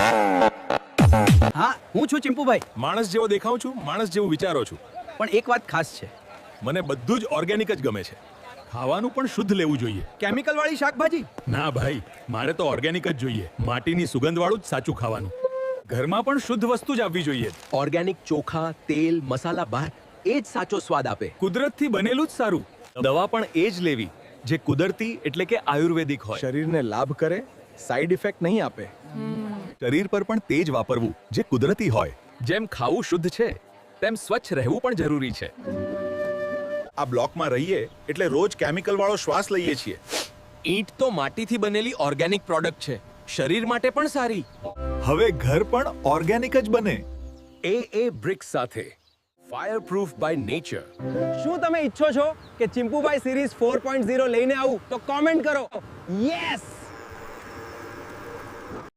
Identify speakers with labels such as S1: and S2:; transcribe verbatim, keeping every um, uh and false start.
S1: હા, હું છું ચિંપુભાઈ.
S2: માણસ જેવો દેખાઉં છું, માણસ જેવું વિચારો છું.
S1: પણ એક વાત ખાસ છે,
S2: મને બધું જ ઓર્ગેનિક જ ગમે છે. ખાવાનું પણ શુદ્ધ લેવું જોઈએ.
S1: કેમિકલ વાળી શાકભાજી.
S2: ના ભાઈ, મારે તો ઓર્ગેનિક જ જોઈએ. માટીની સુગંધ વાળું જ સાચું ખાવાનું. ઘરમાં પણ શુદ્ધ વસ્તુ જ આવવી જોઈએ.
S3: ઓર્ગેનિક ચોખા, તેલ, મસાલા બહાર એ જ સાચો સ્વાદ આપે.
S2: કુદરતથી બનેલું જ સારું. દવા પણ એ જ લેવી જે કુદરતી એટલે કે આયુર્વેદિક હોય.
S4: શરીરને લાભ કરે, સાઈડ ઇફેક્ટ નહીં આપે.
S2: શરીર પર પણ તે જ વાપરવું જે કુદરતી હોય.
S3: જેમ ખાવું શુદ્ધ છે, તેમ સ્વચ્છ રહેવું પણ જરૂરી છે.
S2: આ બ્લોકમાં રહીએ એટલે રોજ કેમિકલ વાળો શ્વાસ લઈએ છીએ.
S3: ઈંટ તો માટીથી બનેલી ઓર્ગેનિક પ્રોડક્ટ છે, શરીર માટે પણ સારી.
S2: હવે ઘર પણ ઓર્ગેનિક જ બને.
S3: એ એ બ્રિક્સ સાથે ફાયર પ્રૂફ બાય નેચર.
S1: શું તમે ઈચ્છો છો કે Chimpubhai series four point zero લઈને આવું? તો કોમેન્ટ કરો યસ.